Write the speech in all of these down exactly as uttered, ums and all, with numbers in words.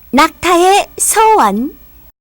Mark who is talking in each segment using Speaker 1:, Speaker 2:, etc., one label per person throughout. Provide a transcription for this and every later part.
Speaker 1: 낙타의 소원.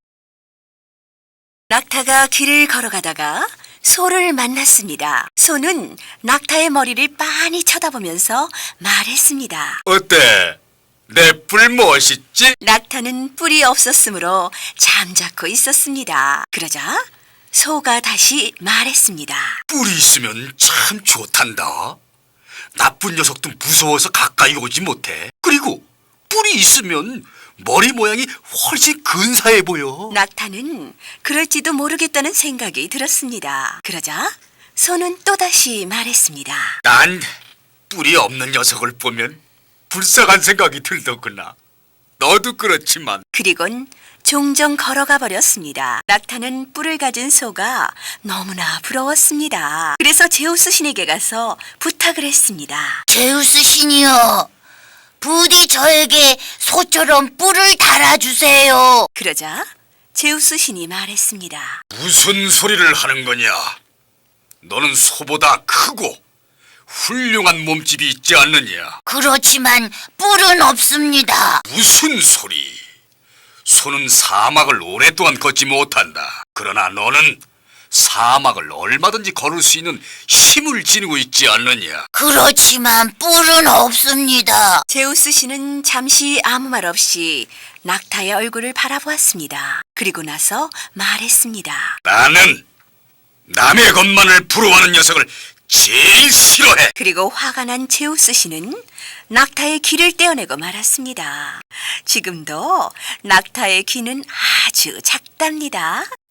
Speaker 2: 낙타가 길을 걸어가다가 소를 만났습니다. 소는 낙타의 머리를 빤히 쳐다보면서 말했습니다.
Speaker 3: 어때? 내 뿔 멋있지?
Speaker 2: 낙타는 뿔이 없었으므로 잠자코 있었습니다. 그러자 소가 다시 말했습니다.
Speaker 3: 뿔이 있으면 참 좋단다. 나쁜 녀석도 무서워서 가까이 오지 못해. 그리고 뿔이 있으면 머리 모양이 훨씬 근사해 보여.
Speaker 2: 낙타는 그럴지도 모르겠다는 생각이 들었습니다. 그러자 소는 또다시 말했습니다.
Speaker 3: 난 뿔이 없는 녀석을 보면 불쌍한 생각이 들더구나. 너도 그렇지만.
Speaker 2: 그리곤 종종 걸어가 버렸습니다. 낙타는 뿔을 가진 소가 너무나 부러웠습니다. 그래서 제우스 신에게 가서 부탁을 했습니다.
Speaker 4: 제우스 신이여, 부디 저에게 소처럼 뿔을 달아주세요.
Speaker 2: 그러자 제우스 신이 말했습니다.
Speaker 3: 무슨 소리를 하는 거냐? 너는 소보다 크고 훌륭한 몸집이 있지 않느냐?
Speaker 4: 그렇지만 뿔은 없습니다.
Speaker 3: 무슨 소리? 소는 사막을 오랫동안 걷지 못한다. 그러나 너는 사막을 얼마든지 걸을 수 있는 힘을 지니고 있지 않느냐?
Speaker 4: 그렇지만 뿔은 없습니다.
Speaker 2: 제우스 신은 잠시 아무 말 없이 낙타의 얼굴을 바라보았습니다. 그리고 나서 말했습니다.
Speaker 3: 나는 남의 것만을 부러워하는 녀석을 제일 싫어해.
Speaker 2: 그리고 화가 난 제우스 신은 낙타의 귀를 떼어내고 말았습니다. 지금도 낙타의 귀는 아주 작답니다.